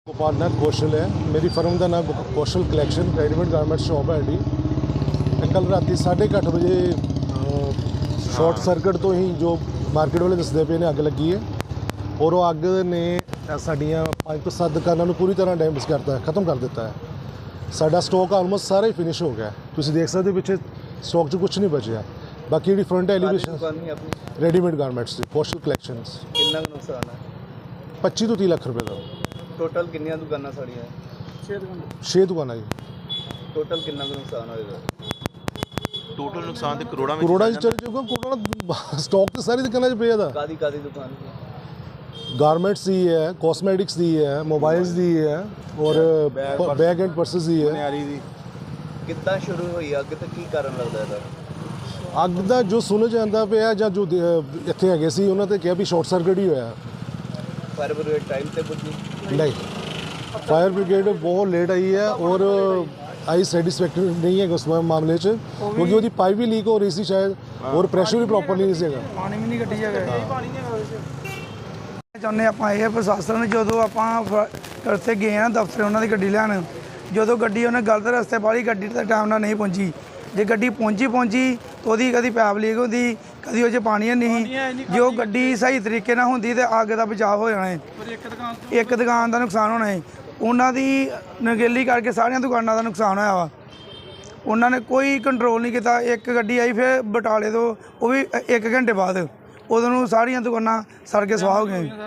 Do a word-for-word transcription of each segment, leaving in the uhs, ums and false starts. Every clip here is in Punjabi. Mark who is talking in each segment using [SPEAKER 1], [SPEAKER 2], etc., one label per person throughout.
[SPEAKER 1] गोपाल नाथ कौशल है। मेरी फर्म का नाम Kaushal collection readymade garment shop है जी। कल राती साढ़े अठ बजे शॉर्ट सर्किट तो ही जो मार्केट वाले दसते पे ने अग लगी है और वो अग ने साड़ियाँ पाँच तो सत्त दुकानों को पूरी तरह डैमेज करता है, ख़त्म कर देता है। साडा स्टॉक आलमोस्ट सारा ही फिनिश हो गया है। तुम देख सकते पिछले स्टॉक च कुछ नहीं बचा। बाकी जी फ्रंट एलिवेशन रेडीमेड गारमेंट्स की कौशल कलैक्शन पच्ची तो तीह लाख रुपये का
[SPEAKER 2] टोटल किन्नियां दुकानां साड़ियां
[SPEAKER 1] छे दुकाना जी।
[SPEAKER 2] टोटल किन्ना कुछ नुकसान होएगा?
[SPEAKER 3] टोटल नुकसान ते करोड़ां विच
[SPEAKER 1] करोड़ां चल चुका। करोड़ां स्टॉक तो सारी दुकाना च पिया दा।
[SPEAKER 2] कादी कादी दुकान
[SPEAKER 1] गारमेंट्स दी है, कॉस्मेटिक्स दी है, मोबाइल्स दी है और बैग एंड पर्सेस दी है।
[SPEAKER 2] कितना शुरू हुई अग ते की कारण लगदा है?
[SPEAKER 1] ਅੱਗ ਦਾ ਜੋ ਸੁਣ ਜਾਂਦਾ ਪਿਆ ਜਾਂ ਜੋ ਇੱਥੇ ਹੈਗੇ ਸੀ ਉਹਨਾਂ ਤੇ ਕਿਹਾ ਵੀ ਸ਼ਾਰਟ ਸਰਕਟ ਹੀ ਹੋਇਆ।
[SPEAKER 2] फायर ब्रिगेड टाइम से पहुंची
[SPEAKER 1] नहीं, फायर ब्रिगेड बहुत लेट आई है और आई सैटिस्फैक्टरी नहीं है उस मामले च, क्योंकि ਉਹਦੀ ਪਾਈਪ ਵੀ ਲੀਕ ਹੋ ਰਹੀ ਸੀ ਸ਼ਾਇਦ और ਪ੍ਰੈਸ਼ਰ ਵੀ ਪ੍ਰੋਪਰਲੀ ਨਹੀਂ ਸੀਗਾ।
[SPEAKER 4] ਪਾਣੀ ਵੀ ਨਹੀਂ ਕੱਢੀ ਜਾਵੇ। ਚਾਹੁੰਦੇ ਆਪਾਂ ਇਹ ਪ੍ਰਸ਼ਾਸਨ ਜਦੋਂ ਆਪਾਂ ਉੱਥੇ ਗਏ ਆ ਦਫ਼ਤਰ ਉਹਨਾਂ ਦੀ ਗੱਡੀ ਲੈਣ, ਜਦੋਂ ਗੱਡੀ ਉਹਨੇ ਗਲਤ ਰਸਤੇ ਪਾਲੀ, ਗੱਡੀ ਤਾਂ ਟਾਈਮ ਨਾਲ ਨਹੀਂ ਪਹੁੰਚੀ। ਜੇ ਗੱਡੀ ਪਹੁੰਚੀ ਪਹੁੰਚੀ ਤਾਂ ਉਹਦੀ ਕਦੀ ਪੈਪ ਲੀਕ ਹੁੰਦੀ, ਕਦੀ ਉਹ 'ਚ ਪਾਣੀ ਨਹੀਂ। ਜੇ ਉਹ ਗੱਡੀ ਸਹੀ ਤਰੀਕੇ ਨਾਲ ਹੁੰਦੀ ਤਾਂ ਅੱਗ ਦਾ ਬਚਾਅ ਹੋ ਜਾਣਾ ਹੈ। ਇੱਕ ਦੁਕਾਨ ਦਾ ਨੁਕਸਾਨ ਹੋਣਾ ਹੈ। ਉਹਨਾਂ ਦੀ ਨਗੇਲੀ ਕਰਕੇ ਸਾਰੀਆਂ ਦੁਕਾਨਾਂ ਦਾ ਨੁਕਸਾਨ ਹੋਇਆ ਵਾ। ਉਹਨਾਂ ਨੇ ਕੋਈ ਕੰਟਰੋਲ ਨਹੀਂ ਕੀਤਾ। ਇੱਕ ਗੱਡੀ ਆਈ ਫਿਰ ਬਟਾਲੇ ਤੋਂ, ਉਹ ਵੀ ਇੱਕ ਘੰਟੇ ਬਾਅਦ। ਉਦੋਂ ਨੂੰ ਸਾਰੀਆਂ ਦੁਕਾਨਾਂ ਸੜ ਕੇ ਸਵਾਹ ਹੋ ਗਈਆਂ।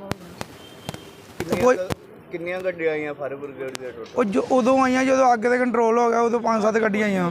[SPEAKER 4] ਕੋਈ
[SPEAKER 2] ਕਿੰਨੀਆਂ ਗੱਡੀਆਂ ਆਈਆਂ ਫਾਇਰ ਬ੍ਰਿਗੇਡ ਦੇ ਟੋਟਲ?
[SPEAKER 4] ਉਹ ਜੋ ਉਦੋਂ ਆਈਆਂ ਜਦੋਂ ਅੱਗ ਤੇ ਕੰਟਰੋਲ ਹੋ ਗਿਆ, ਉਦੋਂ ਪੰਜ ਸੱਤ ਗੱਡੀਆਂ ਆਈਆਂ।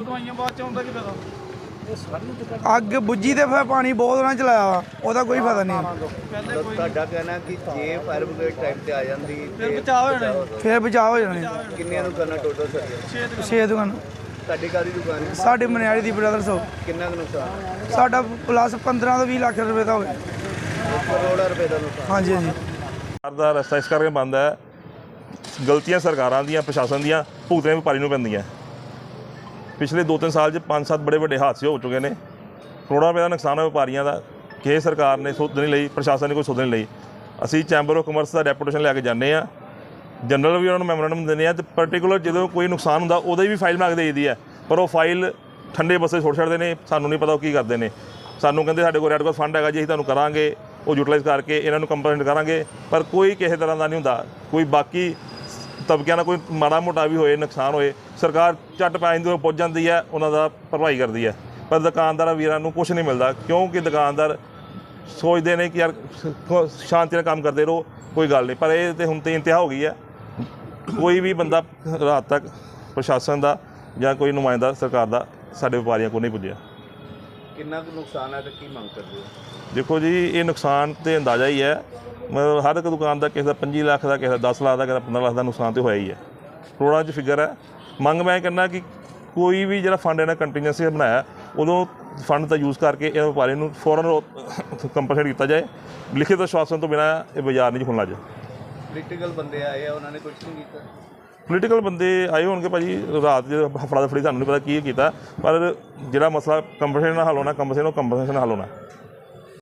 [SPEAKER 4] ਅੱਗ ਬੁੱਝੀ ਤੇ ਫਿਰ ਪਾਣੀ ਬਹੁਤ ਉਹਨਾਂ ਚਲਾਇਆ ਵਾ, ਉਹਦਾ ਕੋਈ ਫਾਇਦਾ ਨਹੀਂ।
[SPEAKER 2] ਤੁਹਾਡਾ ਕਹਿਣਾ ਕਿ ਜੇ ਫਾਇਰ ਬ੍ਰਿਗੇਡ ਟਾਈਮ ਤੇ ਆ ਜਾਂਦੀ ਫਿਰ ਬਚਾਅ ਹੋ ਜਾਣਾ।
[SPEAKER 4] ਫਿਰ ਬਚਾਅ ਹੋ ਜਾਣਾ।
[SPEAKER 2] ਕਿੰਨੀਆਂ ਦੁਕਾਨਾਂ ਟੋਟਲ ਸਾਡੀਆਂ?
[SPEAKER 4] ਛੇ ਦੁਕਾਨ
[SPEAKER 2] ਤੁਹਾਡੀ ਕਾਦੀ ਦੁਕਾਨ ਹੈ?
[SPEAKER 4] ਸਾਡੇ ਮਨਿਆਰੀ ਦੀ ਬ੍ਰਦਰਸ ਹੋ।
[SPEAKER 2] ਕਿੰਨਾ ਕੁ ਨੁਕਸਾਨ?
[SPEAKER 4] ਸਾਡਾ ਪਲੱਸ ਪੰਦਰਾਂ ਤੋਂ ਵੀਹ ਲੱਖ ਰੁਪਏ ਦਾ ਹੋ ਗਿਆ।
[SPEAKER 2] ਕਰੋੜਾਂ ਰੁਪਏ ਦਾ ਨੁਕਸਾਨ।
[SPEAKER 4] ਹਾਂਜੀ ਹਾਂਜੀ।
[SPEAKER 5] ਸਰਕਾਰ ਦਾ ਰਸਤਾ ਇਸ ਕਰਕੇ ਬੰਦ ਹੈ, ਗਲਤੀਆਂ ਸਰਕਾਰਾਂ ਦੀਆਂ, ਪ੍ਰਸ਼ਾਸਨ ਦੀਆਂ ਭੁਗਤਣੇ ਵਪਾਰੀ ਨੂੰ ਪੈਂਦੀਆਂ। ਪਿਛਲੇ ਦੋ ਤਿੰਨ ਸਾਲ 'ਚ ਪੰਜ ਸੱਤ ਬੜੇ ਵੱਡੇ ਹਾਦਸੇ ਹੋ ਚੁੱਕੇ ਨੇ। ਕਰੋੜਾਂ ਰੁਪਏ ਦਾ ਨੁਕਸਾਨ ਹੈ ਵਪਾਰੀਆਂ ਦਾ। ਕਿਸੇ ਸਰਕਾਰ ਨੇ ਸੁਧ ਨਹੀਂ ਲਈ, ਪ੍ਰਸ਼ਾਸਨ ਨੇ ਕੋਈ ਸੁਧ ਨਹੀਂ ਲਈ। ਅਸੀਂ ਚੈਂਬਰ ਆਫ ਕਮਰਸ ਦਾ ਡੈਪੂਟੇਸ਼ਨ ਲੈ ਕੇ ਜਾਂਦੇ ਹਾਂ, ਜਨਰਲ ਵੀ ਉਹਨਾਂ ਨੂੰ ਮੈਮੋਰੈਂਡਮ ਦਿੰਦੇ ਹਾਂ, ਅਤੇ ਪਰਟੀਕੂਲਰ ਜਦੋਂ ਕੋਈ ਨੁਕਸਾਨ ਹੁੰਦਾ ਉਹਦੀ ਵੀ ਫਾਈਲ ਮੰਗ ਦੇਈ ਦੀ ਹੈ। ਪਰ ਉਹ ਫਾਈਲ ਠੰਡੇ ਬੱਸੇ ਛੋੜ ਛੱਡਦੇ ਨੇ। ਸਾਨੂੰ ਨਹੀਂ ਪਤਾ ਉਹ ਕੀ ਕਰਦੇ ਨੇ। ਸਾਨੂੰ ਕਹਿੰਦੇ ਸਾਡੇ ਕੋਲ ਰੈੱਡ ਕ੍ਰਾਸ ਫੰਡ ਹੈਗਾ ਜੀ, ਅਸੀਂ ਤੁਹਾਨੂੰ ਕਰਾਂਗੇ, ਉਹ ਯੂਟੀਲਾਈਜ਼ ਕਰਕੇ ਇਹਨਾਂ ਨੂੰ ਕੰਪਲੇਂਟ ਕਰਾਂਗੇ। ਪਰ ਕੋਈ ਕਿਸੇ ਤਰ੍ਹਾਂ ਦਾ ਨਹੀਂ ਹੁੰਦਾ। ਕੋਈ ਬਾਕੀ ਤਬਕਿਆਂ ਦਾ ਕੋਈ ਮਾੜਾ ਮੋਟਾ ਵੀ ਹੋਏ, ਨੁਕਸਾਨ ਹੋਏ, ਸਰਕਾਰ ਝੱਟ ਪੈ ਜਾਂਦੀ, ਪਹੁੰਚ ਜਾਂਦੀ ਹੈ, ਉਹਨਾਂ ਦਾ ਭਰਪਾਈ ਕਰਦੀ ਹੈ। ਪਰ ਦੁਕਾਨਦਾਰਾਂ ਵੀਰਾਂ ਨੂੰ ਕੁਛ ਨਹੀਂ ਮਿਲਦਾ, ਕਿਉਂਕਿ ਦੁਕਾਨਦਾਰ ਸੋਚਦੇ ਨੇ ਕਿ ਯਾਰ ਸ਼ਾਂਤੀ ਨਾਲ ਕੰਮ ਕਰਦੇ ਰਹੋ, ਕੋਈ ਗੱਲ ਨਹੀਂ। ਪਰ ਇਹ ਤਾਂ ਹੁਣ ਤਾਂ ਇੰਤਹਾ ਹੋ ਗਈ ਹੈ। ਕੋਈ ਵੀ ਬੰਦਾ ਰਾਤ ਤੱਕ ਪ੍ਰਸ਼ਾਸਨ ਦਾ ਜਾਂ ਕੋਈ ਨੁਮਾਇੰਦਾ ਸਰਕਾਰ ਦਾ ਸਾਡੇ ਵਪਾਰੀਆਂ ਕੋਲ ਨਹੀਂ ਪੁੱਜਿਆ।
[SPEAKER 2] ਕਿੰਨਾ ਕੁ ਨੁਕਸਾਨ ਹੈ ਤੇ ਕੀ ਮੰਗ ਕਰਦੇ ਹੋ?
[SPEAKER 5] ਦੇਖੋ ਜੀ, ਇਹ ਨੁਕਸਾਨ ਤਾਂ ਅੰਦਾਜ਼ਾ ਹੀ ਹੈ। ਮਤਲਬ ਹਰ ਇੱਕ ਦੁਕਾਨ ਦਾ ਕਿਸੇ ਦਾ ਪੰਜੀ ਲੱਖ ਦਾ, ਕਿਸੇ ਦਾ ਦਸ ਲੱਖ ਦਾ, ਕਿਸੇ ਦਾ ਪੰਦਰਾਂ ਲੱਖ ਦਾ ਨੁਕਸਾਨ ਤਾਂ ਹੋਇਆ ਹੀ ਹੈ। ਕਰੋੜਾਂ 'ਚ ਫਿਗਰ ਹੈ। ਮੰਗ ਮੈਂ ਕਹਿੰਦਾ ਕਿ ਕੋਈ ਵੀ ਜਿਹੜਾ ਫੰਡ ਇਹਨਾਂ ਕੰਟੀਨਿਊਸੀ ਬਣਾਇਆ, ਉਦੋਂ ਫੰਡ ਦਾ ਯੂਜ਼ ਕਰਕੇ ਇਹ ਵਪਾਰੀ ਨੂੰ ਫੌਰਨ ਕੰਪਨਸੇਟ ਕੀਤਾ ਜਾਏ। ਲਿਖਿਤ ਆਸ਼ਵਾਸਨ ਤੋਂ ਬਿਨਾਂ ਇਹ ਬਾਜ਼ਾਰ ਨਹੀਂ ਖੁੱਲ੍ਹਣਾ। ਜੇ
[SPEAKER 2] ਪੋਲੀਟੀਕਲ ਬੰਦੇ ਆਏ ਆ, ਉਹਨਾਂ ਨੇ ਕੁਝ ਨਹੀਂ ਕੀਤਾ?
[SPEAKER 5] ਪੋਲੀਟੀਕਲ ਬੰਦੇ ਆਏ ਹੋਣਗੇ ਭਾਜੀ, ਰਾਤ ਦੇ ਹਫੜਾ ਦਫੜੀ ਸਾਨੂੰ ਨਹੀਂ ਪਤਾ ਕੀ ਕੀਤਾ, ਪਰ ਜਿਹੜਾ ਮਸਲਾ ਕੰਪਨਸੇਸ਼ਨ ਨਾਲ ਹੱਲ ਹੋਣਾ, ਕੰਪਨਸੇਸ਼ਨ ਉਹ ਕੰਪਨਸੇਸ਼ਨ ਨਾਲ ਹੱਲ ਹੋਣਾ।